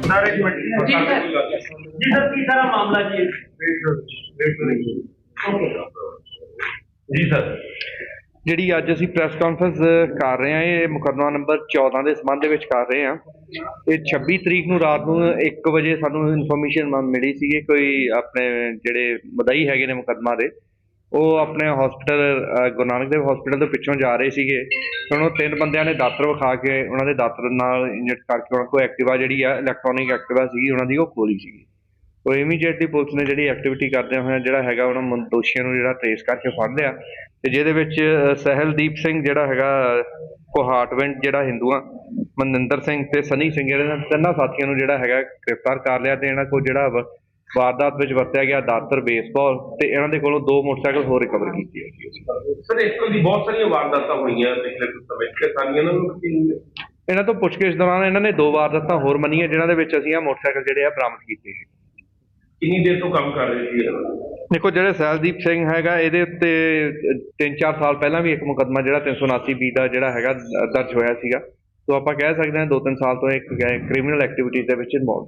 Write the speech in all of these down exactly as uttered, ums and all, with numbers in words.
Sir एक minute जी sir जी सर की सारा मामला जी जी सर ਜਿਹੜੀ ਅੱਜ ਅਸੀਂ ਪ੍ਰੈਸ ਕਾਨਫਰੰਸ ਕਰ ਰਹੇ ਹਾਂ ਇਹ ਮੁਕੱਦਮਾ ਨੰਬਰ ਚੌਦਾਂ ਦੇ ਸੰਬੰਧ ਦੇ ਵਿੱਚ ਕਰ ਰਹੇ ਹਾਂ। ਇਹ ਛੱਬੀ ਤਰੀਕ ਨੂੰ ਰਾਤ ਨੂੰ ਇੱਕ ਵਜੇ ਸਾਨੂੰ ਇਨਫੋਰਮੇਸ਼ਨ ਮਿਲੀ ਸੀਗੀ ਕੋਈ ਆਪਣੇ ਜਿਹੜੇ ਮਦਈ ਹੈਗੇ ਨੇ ਮੁਕੱਦਮਾ ਦੇ ਉਹ ਆਪਣੇ ਹਸਪੀਟਲ ਗੁਰੂ ਨਾਨਕ ਦੇਵ ਹਸਪੀਟਲ ਤੋਂ ਪਿੱਛੋਂ ਜਾ ਰਹੇ ਸੀਗੇ। ਹੁਣ ਉਹ ਤਿੰਨ ਬੰਦਿਆਂ ਨੇ ਦਾਤਰ ਵਿਖਾ ਕੇ ਉਹਨਾਂ ਦੇ ਦਾਤਰ ਨਾਲ ਇੰਜੈਕਟ ਕਰਕੇ ਉਹਨਾਂ ਕੋਲ ਐਕਟਿਵਾ ਜਿਹੜੀ ਆ ਇਲੈਕਟ੍ਰੋਨਿਕ ਐਕਟਿਵਾ ਸੀਗੀ ਉਹਨਾਂ ਦੀ ਉਹ ਖੋਲੀ ਸੀਗੀ। ਉਹ ਇਮੀਡੀਏਟਲੀ ਪੁਲਿਸ ਨੇ ਜਿਹੜੀ ਐਕਟੀਵਿਟੀ ਕਰਦਿਆਂ ਹੋਇਆ ਜਿਹੜਾ ਹੈਗਾ ਉਹਨਾਂ ਦੋਸ਼ੀਆਂ ਨੂੰ ਜਿਹੜਾ ਟ੍ਰੇਸ ਕਰਕੇ ਫੜ ਲਿਆ ਤੇ ਜਿਹਦੇ ਵਿੱਚ ਸਹਿਲਦੀਪ ਸਿੰਘ ਜਿਹੜਾ ਹੈਗਾ ਕੋਹਾਟਵਿੰਡ ਜਿਹੜਾ ਹਿੰਦੂਆਂ ਮਨਿੰਦਰ ਸਿੰਘ ਤੇ ਸਨੀ ਸਿੰਘ ਜਿਹੜੇ ਤਿੰਨਾਂ ਸਾਥੀਆਂ ਨੂੰ ਜਿਹੜਾ ਹੈਗਾ ਗ੍ਰਿਫਤਾਰ ਕਰ ਲਿਆ ਤੇ ਇਹਨਾਂ ਕੋਲ ਜਿਹੜਾ ਵਾਰਦਾਤ ਵਿੱਚ ਵਰਤਿਆ ਗਿਆ ਦਾਤਰ ਬੇਸਬਾਲ ਤੇ ਇਹਨਾਂ ਦੇ ਕੋਲੋਂ ਦੋ ਮੋਟਰਸਾਈਕਲ ਹੋਰ ਰਿਕਵਰ ਕੀਤੇ ਹੈ। ਸਰ ਇਸ ਤੋਂ ਦੀ ਬਹੁਤ ਸਾਰੀਆਂ ਵਾਰਦਾਤਾਂ ਹੋਈਆਂ ਪਿਛਲੇ ਕੁਝ ਸਮੇਂ ਚ ਸਾਰੀਆਂ ਨੂੰ ਇਹਨਾਂ ਤੋਂ ਪੁੱਛਗਿੱਛ ਦੌਰਾਨ ਇਹਨਾਂ ਨੇ ਦੋ ਵਾਰਦਾਤਾਂ ਹੋਰ ਮੰਨੀਆਂ ਜਿਨ੍ਹਾਂ ਦੇ ਵਿੱਚ ਅਸੀਂ ਆ ਮੋਟਰਸਾਈਕਲ ਜਿਹੜੇ ਆ ਬਰਾਮਦ ਕੀਤੇ ਹੈ। ਕਿੰਨੀ ਦੇਰ ਤੋਂ ਕੰਮ ਕਰ ਰਹੇ ਸੀ? ਦੇਖੋ ਜਿਹੜੇ ਸਹਿਲਦੀਪ ਸਿੰਘ ਹੈਗਾ ਇਹਦੇ ਉੱਤੇ ਤਿੰਨ ਚਾਰ ਸਾਲ ਪਹਿਲਾਂ ਵੀ ਇੱਕ ਮੁਕੱਦਮਾ ਜਿਹੜਾ ਤਿੰਨ ਸੌ ਉਨਾਸੀ ਬੀ ਦਾ ਜਿਹੜਾ ਹੈਗਾ ਦਰਜ ਹੋਇਆ ਸੀਗਾ। ਸੋ ਆਪਾਂ ਕਹਿ ਸਕਦੇ ਹਾਂ ਦੋ ਤਿੰਨ ਸਾਲ ਤੋਂ ਇੱਕ ਕ੍ਰਿਮੀਨਲ ਐਕਟੀਵਿਟੀਜ਼ ਦੇ ਵਿੱਚ ਇਨਵੋਲਵ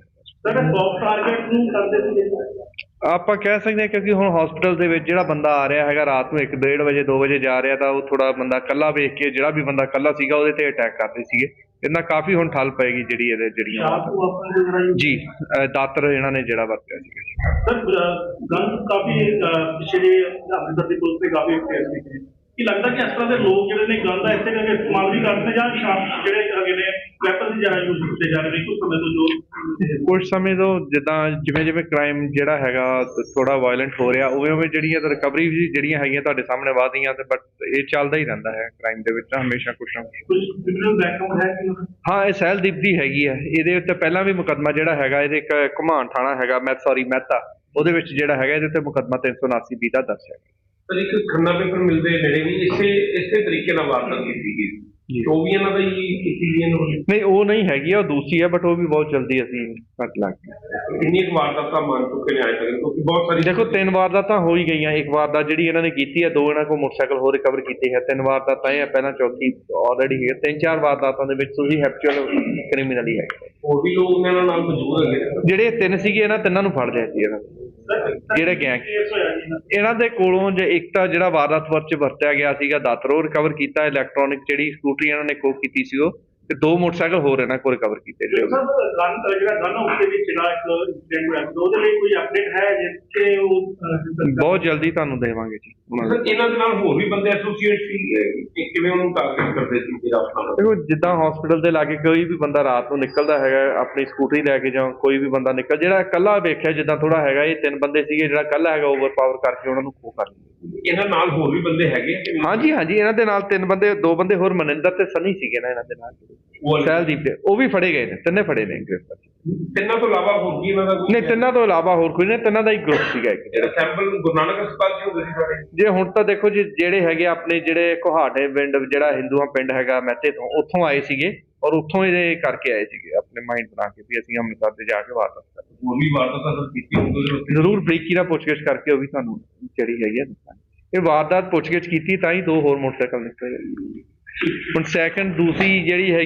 ਆਪਾਂ ਕਹਿ ਸਕਦੇ ਹਾਂ ਕਿਉਂਕਿ ਹੁਣ ਹਸਪੀਟਲ ਦੇ ਵਿੱਚ ਜਿਹੜਾ ਬੰਦਾ ਆ ਰਿਹਾ ਹੈਗਾ ਰਾਤ ਨੂੰ ਇੱਕ ਡੇਢ ਵਜੇ ਦੋ ਵਜੇ ਜਾ ਰਿਹਾ ਤਾਂ ਉਹ ਥੋੜਾ ਬੰਦਾ ਇਕੱਲਾ ਵੇਖ ਕੇ ਜਿਹੜਾ ਵੀ ਬੰਦਾ ਇਕੱਲਾ ਸੀਗਾ ਉਹਦੇ ਤੇ ਅਟੈਕ ਕਰਦੇ ਸੀਗੇ। ਇਹਨਾਂ ਕਾਫੀ ਹੁਣ ਠੱਲ ਪਏਗੀ ਜਿਹੜੀ ਇਹਦੇ ਜਿਹੜੀਆਂ ਜੀ ਦਾਤਰ ਇਹਨਾਂ ਨੇ ਜਿਹੜਾ ਵਰਤਿਆ ਸੀਗਾ। ਸਰ ਗਨ ਕਾਫੀ ਪਿਛਲੇ ਅੰਮ੍ਰਿਤਸਰ ਦੀ ਪੁਲਿਸ ਤੇ ਕਾਫੀ ਕੀ ਲੱਗਦਾ ਕਿ ਇਸ ਤਰ੍ਹਾਂ ਦੇ ਲੋਕ ਜਿਹੜੇ ਨੇ ਗਨ ਦਾ ਇਸੇ ਕਰਕੇ ਇਸਤੇਮਾਲ ਵੀ ਕਰਦੇ ਜਾਂ ਸ਼ਾਮ ਜਿਹੜੇ ਹੈਗੇ ਨੇ ਵੈਪਨ ਦੀ ਜ਼ਿਆਦਾ ਯੂਜ਼ ਕੀਤੇ ਜਾ ਰਹੇ ਨੇ ਕੁਝ ਸਮੇਂ ਤੋਂ ਜੋ ਕੁਝ ਸਮੇਂ ਤੋਂ ਜਿੱਦਾਂ ਜਿਵੇਂ ਜਿਵੇਂ ਕ੍ਰਾਈਮ ਜਿਹੜਾ ਹੈਗਾ ਥੋੜਾ ਵਾਇਲੈਂਟ ਹੋ ਰਿਹਾ ਉਵੇਂ ਉਵੇਂ ਜਿਹੜੀਆਂ ਰਿਕਵਰੀ ਵੀ ਜਿਹੜੀਆਂ ਹੈਗੀਆਂ ਤੁਹਾਡੇ ਸਾਹਮਣੇ ਵਧਦੀਆਂ ਤੇ ਬਟ ਇਹ ਚੱਲਦਾ ਹੀ ਰਹਿੰਦਾ ਹੈ ਕ੍ਰਾਈਮ ਦੇ ਵਿੱਚ ਹਮੇਸ਼ਾ ਕੁਛ ਨਾ ਕੁਛ। ਹਾਂ ਇਹ ਸਹਿਲਦੀਪ ਦੀ ਹੈਗੀ ਹੈ ਇਹਦੇ ਉੱਤੇ ਪਹਿਲਾਂ ਵੀ ਮੁਕੱਦਮਾ ਜਿਹੜਾ ਹੈਗਾ ਇਹਦੇ ਇੱਕ ਘੁਮਾਣ ਥਾਣਾ ਹੈਗਾ ਮੈਂ ਸੌਰੀ ਮਹਿਤਾ ਉਹਦੇ ਵਿੱਚ ਜਿਹੜਾ ਹੈਗਾ ਇਹਦੇ ਉੱਤੇ ਮੁਕੱਦਮਾ ਤਿੰਨ ਸੌ ਉਨਾਸੀ ਬੀ ਦਾ ਦਰਜ ਹੈ। ਪਰ ਇੱਕ ਖੰਨਾ ਪੇਪਰ ਮਿਲਦੇ ਨੇੜੇ ਵੀ ਇਸੇ ਇਸੇ ਤਰੀਕੇ ਨਾਲ ਵਾਰਦਾਤ ਕੀਤੀ ਗਈ ਉਹ ਵੀ ਇਹਨਾਂ ਦਾ ਹੀ ਕੀਤੀ ਗਈ ਨਹੀਂ ਉਹ ਨਹੀਂ ਹੈਗੀ ਉਹ ਦੂਸਰੀ ਹੈ ਬਟ ਉਹ ਵੀ ਬਹੁਤ ਜਲਦੀ ਅਸੀਂ ਕੱਟ ਲਾਂਗੇ। ਕਿੰਨੀ ਕੁ ਵਾਰਦਾਤਾਂ ਮੰਨ ਚੁੱਕੇ ਨੇ ਆਏ ਤੱਕ ਕਿਉਂਕਿ ਬਹੁਤ ਸਾਰੀ ਦੇਖੋ ਤਿੰਨ ਵਾਰਦਾਤਾਂ ਹੋ ਹੀ ਗਈਆਂ ਇੱਕ ਵਾਰਦਾਤ ਜਿਹੜੀ ਇਹਨਾਂ ਨੇ ਕੀਤੀ ਹੈ ਦੋ ਇਹਨਾਂ ਕੋਲ ਮੋਟਰਸਾਈਕਲ ਹੋਰ ਰਿਕਵਰ ਕੀਤੇ ਹੈ ਤਿੰਨ ਵਾਰਦਾਤਾਂ ਇਹ ਪਹਿਲਾਂ ਚੌਥੀ ਆਲਰੇਡੀ ਹੈ ਤਿੰਨ ਚਾਰ ਵਾਰਦਾਤਾਂ ਦੇ ਵਿੱਚ ਤੁਸੀਂ ਹੈਪਚੁਅਲ ਕ੍ਰਿਮੀਨਲ ਹੀ ਹੈ। ਹੋਰ ਵੀ ਲੋਕ ਇਹਨਾਂ ਨਾਲ ਮੌਜੂਦ ਹੈਗੇ ਜਿਹੜੇ ਤਿੰਨ ਸੀਗੇ ਇਹਨਾਂ ਤਿੰਨਾਂ ਨੂੰ ਫੜ ਲਿਆ ਸੀ ਇਹਨਾਂ ਜਿਹੜੇ ਗੈਂਗ ਇਹਨਾਂ ਦੇ ਕੋਲੋਂ ਜੇ ਇੱਕ ਤਾਂ ਜਿਹੜਾ ਵਾਰਦਾਤ ਵਰਚ ਵਰਤਿਆ ਗਿਆ ਸੀਗਾ ਦਾਤਰ ਉਹ ਰਿਕਵਰ ਕੀਤਾ ਇਲੈਕਟ੍ਰੋਨਿਕ ਜਿਹੜੀ ਸਕੂਟਰੀ ਇਹਨਾਂ ਨੇ ਕੋ ਕੀਤੀ ਸੀ ਉਹ ਤੇ ਦੋ ਮੋਟਰਸਾਈਕਲ ਹੋਰ ਇਹਨਾਂ ਕੋਲ ਰਿਕਵਰ ਕੀਤੇ ਜਿਹੜੇ ਜਿਹੜਾ ਗਨ ਉਸਦੇ ਵਿੱਚ ਜਿਹੜਾ ਇੱਕ ਇੰਸੀਡੈਂਟ ਹੋਇਆ ਉਹਦੇ ਲਈ ਕੋਈ ਅਪਡੇਟ ਹੈ ਜਿੱਥੇ ਉਹ ਬਹੁਤ ਜਲਦੀ ਤੁਹਾਨੂੰ ਦੇਵਾਂਗੇ ਜੀ। ਇਹਨਾਂ ਦੇ ਨਾਲ ਹੋਰ ਵੀ ਬੰਦੇ ਐਸੋਸੀਏਟ ਸੀ ਕਿਵੇਂ ਉਹਨੂੰ ਟਾਰਗੇਟ ਕਰਦੇ ਸੀ ਜਿਹੜਾ ਆਪਣਾ ਦੇਖੋ ਜਿੱਦਾਂ ਹਸਪੀਟਲ ਦੇ ਲਾਗੇ ਕੋਈ ਵੀ ਬੰਦਾ ਰਾਤ ਨੂੰ ਨਿਕਲਦਾ ਹੈਗਾ ਆਪਣੀ ਸਕੂਟਰੀ ਲੈ ਕੇ ਜਾਂ ਕੋਈ ਵੀ ਬੰਦਾ ਨਿਕਲ ਜਿਹੜਾ ਇਕੱਲਾ ਵੇਖਿਆ ਜਿੱਦਾਂ ਥੋੜਾ ਹੈਗਾ ਇਹ ਤਿੰਨ ਬੰਦੇ ਸੀਗੇ ਜਿਹੜਾ ਇਕੱਲਾ ਹੈਗਾ ਓਵਰ ਪਾਵਰ ਕਰਕੇ ਉਹਨਾਂ ਨੂੰ ਖੋ ਕਰ ਲਿਆ। ਇਹਨਾਂ ਨਾਲ ਹੋਰ ਵੀ ਬੰਦੇ ਹੈਗੇ ਹਾਂਜੀ ਹਾਂਜੀ ਇਹਨਾਂ ਦੇ ਨਾਲ ਤਿੰਨ ਬੰਦੇ ਦੋ ਬੰਦੇ ਹੋਰ ਮਨਿੰਦਰ ਤੇ ਸਨੀ ਸੀਗੇ ਨਾ ਇਹਨਾਂ ਦੇ ਨਾਲ ਸਹਿਲਦੀਪ ਦੇ ਉਹ ਵੀ ਫੜੇ ਗਏ ਨੇ ਤਿੰਨੇ ਫੜੇ ਨੇ ਗ੍ਰਿਫਤਾਰ। ਤਿੰਨਾਂ ਤੋਂ ਇਲਾਵਾ ਹੋਰ ਕੀ ਇਹਨਾਂ ਦਾ ਨਹੀਂ ਤਿੰਨਾਂ ਤੋਂ ਇਲਾਵਾ ਹੋਰ ਕੋਈ ਨਹੀਂ ਤਿੰਨਾਂ ਦਾ ਹੀ ਗਰੁੱਪ ਸੀਗਾ ਇੱਕ ਜਿਹੜਾ ਸੈਂਪਲ ਗੁਰੂ ਨਾਨਕ ਹਸਪਤਾਲ ਚ ਹੁੰਦੇ ਸੀ ਸਾਰੇ ਜੇ ਹੁਣ ਤਾਂ ਦੇਖੋ ਜੀ ਜਿਹੜੇ ਹੈਗੇ ਆਪਣੇ ਜਿਹੜੇ ਕੋਹਾਟੇ ਪਿੰਡ ਜਿਹੜਾ ਹਿੰਦੂਆਂ ਪਿੰਡ ਹੈਗਾ ਮਹਿਤੇ ਤੋਂ ਉੱਥੋਂ ਆਏ ਸੀਗੇ ਔਰ ਉੱਥੋਂ ਇਹ ਕਰਕੇ ਆਏ ਸੀਗੇ ਆਪਣੇ ਮਾਈਂਡ ਬਣਾ ਕੇ ਵੀ ਅਸੀਂ ਅੰਮ੍ਰਿਤਸਰ ਤੇ ਜਾ ਕੇ ਵਾਰਦਾਤ ਕਰਾਂਗੇ। ਹੋਰ ਵੀ ਵਾਰਦਾਤ ਕੀਤੀ ਹੋਊਗੀ ਜ਼ਰੂਰ ਬਰੀਕੀ ਨਾਲ ਪੁੱਛਗਿੱਛ ਕਰਕੇ ਉਹ ਵੀ ਤੁਹਾਨੂੰ ਜਿਹੜੀ ਹੈਗੀ ਆ ਇਹ ਵਾਰਦਾਤ ਪੁੱਛਗਿੱਛ ਕੀਤੀ ਤਾਂ ਹੀ ਦੋ ਹੋਰ ਮੋਟਰਸਾਈਕਲ ਨਿਕਲੇ। ਹੁਣ ਸੈਕੰਡ ਦੂਸਰੀ ਜਿਹੜੀ ਹੈਗੀ